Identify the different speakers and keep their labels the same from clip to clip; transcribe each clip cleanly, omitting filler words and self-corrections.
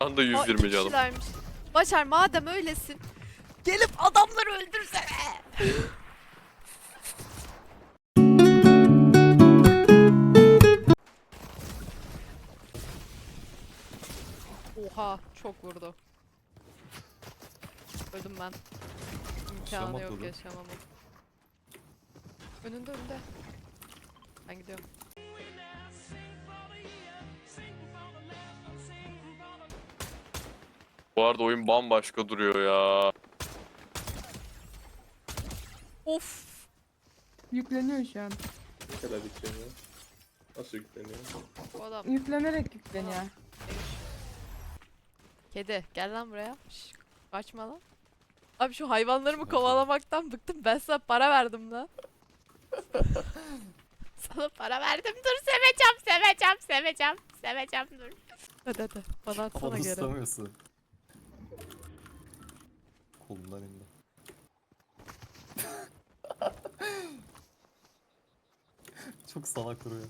Speaker 1: Anda
Speaker 2: Aa,
Speaker 1: 120
Speaker 2: iki
Speaker 1: canım.
Speaker 2: kişilermiş. Başar madem öylesin. Gelip adamları öldürsene. Oha çok vurdu. Öldüm ben. İmkanı yok,
Speaker 3: atladı.
Speaker 2: yaşamamın. Önünde. Ben gidiyorum.
Speaker 1: Bu arada oyun bambaşka duruyor ya.
Speaker 2: Of.
Speaker 4: Yükleniyor şu an.
Speaker 5: Ne kadar yükleniyor? Nasıl yükleniyor?
Speaker 2: Bu adam.
Speaker 4: Yüklenerek yükleniyor.
Speaker 2: Kedi gel lan buraya. Şş, kaçma lan. Abi şu hayvanlarımı kovalamaktan bıktım. Ben sana para verdim lan. Sana para verdim. Dur seveceğim dur. Hadi bana atsana
Speaker 3: Ama
Speaker 2: geri.
Speaker 3: ıslamıyorsun. Kolundan indi. Çok salak duruyor.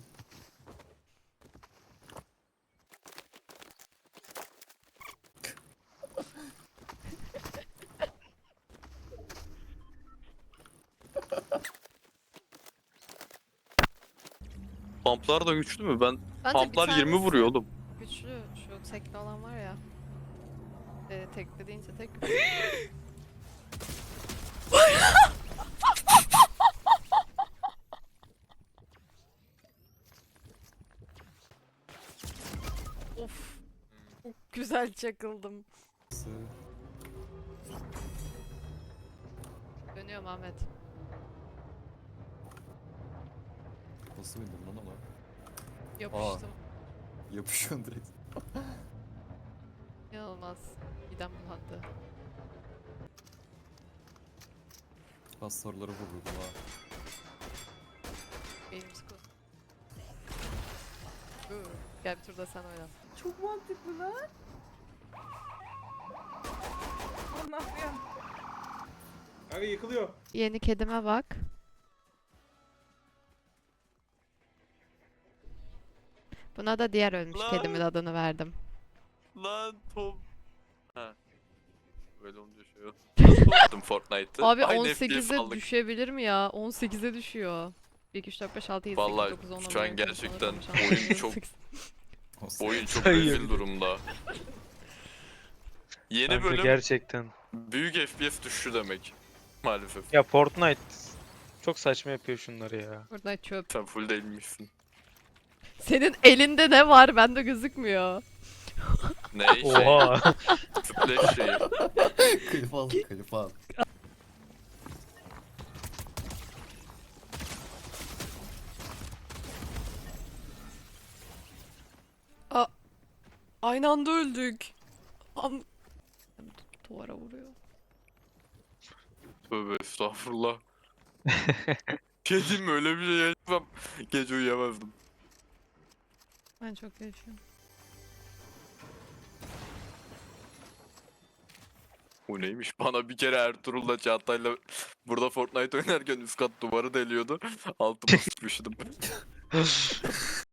Speaker 1: Pumplar da güçlü mü? Ben
Speaker 2: Bence bir
Speaker 1: pumplar 20
Speaker 2: tanesi
Speaker 1: vuruyor oğlum.
Speaker 2: Güçlü şu tekli olan var ya. Tekli deyince tek. Of. Çok güzel çakıldım. Dönüyorum Ahmet.
Speaker 3: Nasıl bindim lan ama?
Speaker 2: Yapıştım.
Speaker 3: Yapışıyorsun direkt.
Speaker 2: İnanılmaz. Midem bulandı.
Speaker 3: Ben soruları vururdum ha.
Speaker 2: Benim sıkı. Gel bir turda sen oyna.
Speaker 4: Çok mantıklı lan. Ne yapıyorsun?
Speaker 5: Kanka yıkılıyor.
Speaker 2: Yeni kedime bak. Buna da diğer ölmüş
Speaker 1: Lan.
Speaker 2: kedimin adını verdim.
Speaker 1: Lan Tom. Ha. Böyle olunca şey yok. Nasıl oynadım Fortnite'ı?
Speaker 2: Abi
Speaker 1: Aynı FPS
Speaker 2: 18'e
Speaker 1: aldık.
Speaker 2: düşebilir mi ya? 18'e düşüyor. 1, 2, 3, 4, 5, 6, 7, 8,
Speaker 1: Vallahi
Speaker 2: 9, 10, 11,
Speaker 1: şu an
Speaker 2: 12, 13,
Speaker 1: gerçekten
Speaker 2: 14, 15, 16,
Speaker 1: oyun
Speaker 2: 17,
Speaker 1: çok-
Speaker 2: 18.
Speaker 1: Oyun çok
Speaker 6: Sayıyor.
Speaker 1: rezil durumda. Yeni
Speaker 6: Kanka
Speaker 1: bölüm
Speaker 6: gerçekten.
Speaker 1: büyük FPS düşüşü demek. Maalesef.
Speaker 6: Ya Fortnite çok saçma yapıyor şunları ya.
Speaker 2: Buradan çöp.
Speaker 1: Sen full değilmişsin.
Speaker 2: Senin elinde ne var? Bende gözükmüyor.
Speaker 1: Ne şey?
Speaker 6: Oha.
Speaker 1: Splash şeyi.
Speaker 3: Klip al, klip al.
Speaker 2: Aynı anda öldük. Duvara vuruyor.
Speaker 1: Tövbe estağfurullah. Kedim öyle bir şey yaşasam gece uyuyamazdım.
Speaker 2: Ben çok yaşıyorum.
Speaker 1: Bu neymiş? Bana bir kere Ertuğrul'la Çağatay'la burada Fortnite oynarken üst kat duvarı deliyordu. Altıma sıçmıştım.